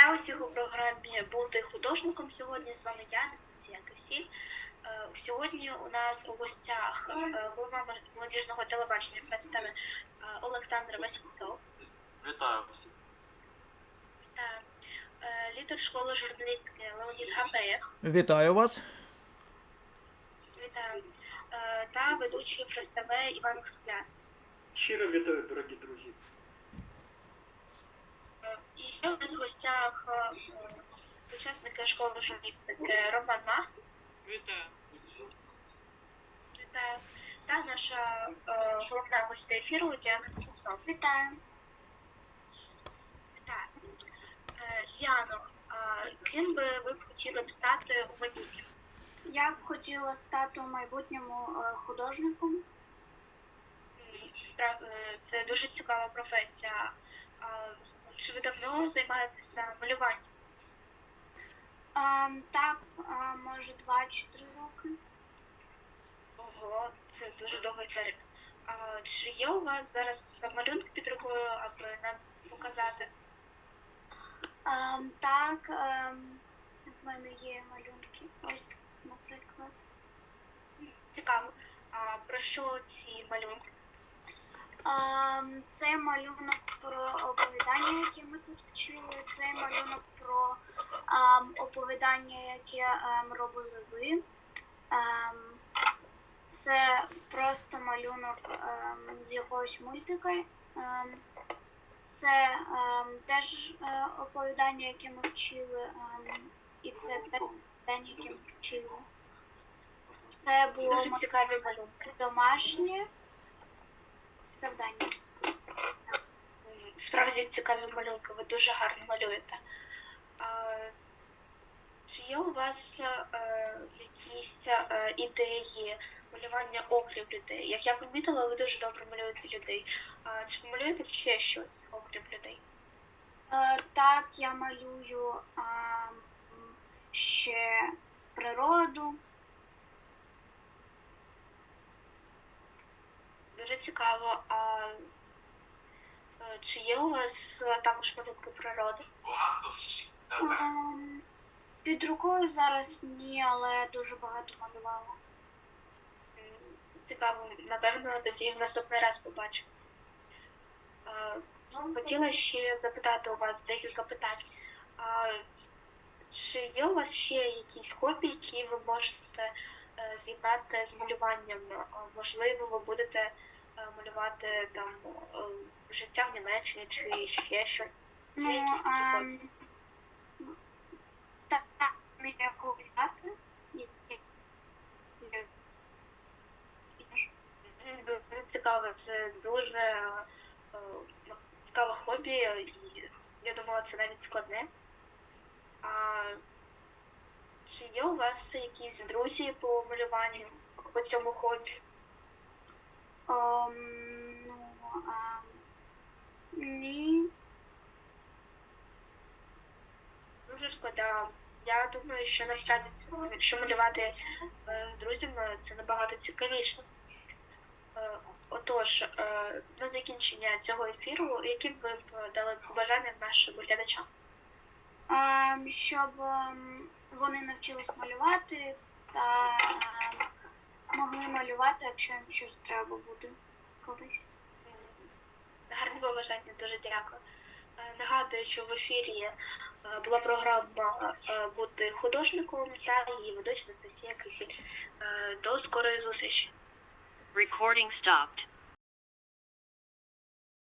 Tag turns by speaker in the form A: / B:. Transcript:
A: Вітаю усіх у програмі «Бути художником». Сьогодні з вами я, Анастасія Кисіль. Сьогодні у нас у гостях голова молодіжного телебачення представи Олександр Васильцов.
B: Вітаю всіх.
A: Та лідер школи журналістики Леонід Гапеєв.
C: Вітаю вас.
A: Вітаю. Та ведучий представи Іван Скляр.
D: Щиро вітаю, дорогі друзі.
A: І ще у нас в гостях учасники школи журналістики Роман Маск.
B: Вітаю.
A: Вітаю. Та наша головна гостя ефіру Діана Кузнецова.
E: Вітаю.
A: Вітаю. Діано, ким би ви б хотіли б стати у майбутньому?
E: Я б хотіла стати у майбутньому художником.
A: Це дуже цікава професія. Чи ви давно займаєтеся малюванням?
E: Так, може 2 чи 3 роки.
A: Ого, це дуже довгий період. Чи є у вас зараз малюнки під рукою, аби нам показати?
E: Так, в мене є малюнки. Ось, наприклад.
A: Цікаво. А про що ці малюнки?
E: Це малюнок про оповідання, яке ми тут вчили. Це малюнок про оповідання, яке робили ви. Це просто малюнок з якогось мультика. Це теж оповідання, яке ми вчили. І це теж оповідання, яке ми вчили. Це було
A: Дуже цікаві малюнки.
E: домашнє завдання.
A: Справді цікаві малюнки, ви дуже гарно малюєте. Чи є у вас якісь ідеї малювання окрім людей? Як я помітила, ви дуже добре малюєте людей. Чи ви малюєте ще щось окрім людей?
E: Так, я малюю ще природу.
A: Дуже цікаво. Чи є у вас також малюнки природи?
E: Під рукою зараз ні, але дуже багато малювала.
A: Цікаво, напевно, тоді в наступний раз побачимо. Хотіла ще запитати у вас декілька питань. Чи є у вас ще якісь хобі, які ви можете з'єднати з малюванням? Можливо, ви будете малювати там життя в Німеччині чи ще щось? Є якісь такі хобі?
E: Так, не гуляти.
A: Цікаво, це дуже цікаве хобі, і я думала, це навіть складне. Чи є у вас якісь друзі по малюванню, по цьому хобі?
E: Ні.
A: Дуже шкода. Я думаю, що навчатися, якщо малювати з друзями, це набагато цікавіше. Отож, на закінчення цього ефіру, які б ви дали побажання нашим глядачам?
E: Щоб вони навчились малювати та могли малювати, якщо їм щось треба буде колись.
A: Гарні побажання, дуже дякую. Нагадую, що в ефірі була програма «Бути художником» та її ведуча Анастасія Кисіль. До скорої зустрічі.
F: Recording stopped.